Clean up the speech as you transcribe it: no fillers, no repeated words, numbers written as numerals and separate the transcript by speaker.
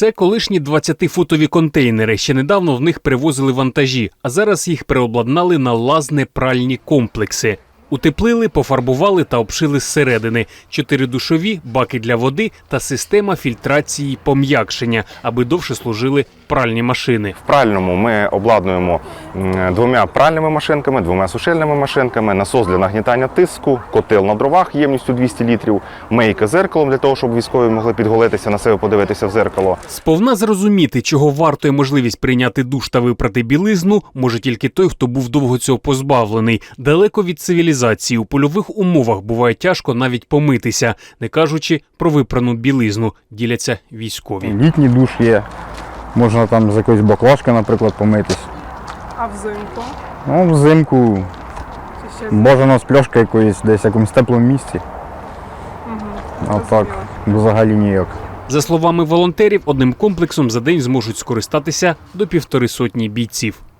Speaker 1: Це колишні 20-футові контейнери. Ще недавно в них перевозили вантажі, а зараз їх переобладнали на лазне-пральні комплекси. Утеплили, пофарбували та обшили зсередини. 4 душові, баки для води та система фільтрації пом'якшення, аби довше служили пральні машини.
Speaker 2: В пральному ми обладнуємо 2 пральними машинками, 2 сушильними машинками, насос для нагнітання тиску, котел на дровах ємністю 200 літрів, мийка зеркалом для того, щоб військові могли підголитися, на себе подивитися в зеркало.
Speaker 1: Сповна зрозуміти, чого вартує можливість прийняти душ та випрати білизну, може тільки той, хто був довго цього позбавлений. Далеко від цивілізації, у польових умовах буває тяжко навіть помитися, не кажучи про випрану білизну, діляться військові.
Speaker 3: Літній душ є, можна там з якоїсь баклажки, наприклад, помитись.
Speaker 4: А взимку?
Speaker 3: Ну, взимку
Speaker 4: Чи ще
Speaker 3: бажано з пляшки якоїсь десь в якомусь теплому місці, а так взагалі ніяк.
Speaker 1: За словами волонтерів, одним комплексом за день зможуть скористатися до 150 бійців.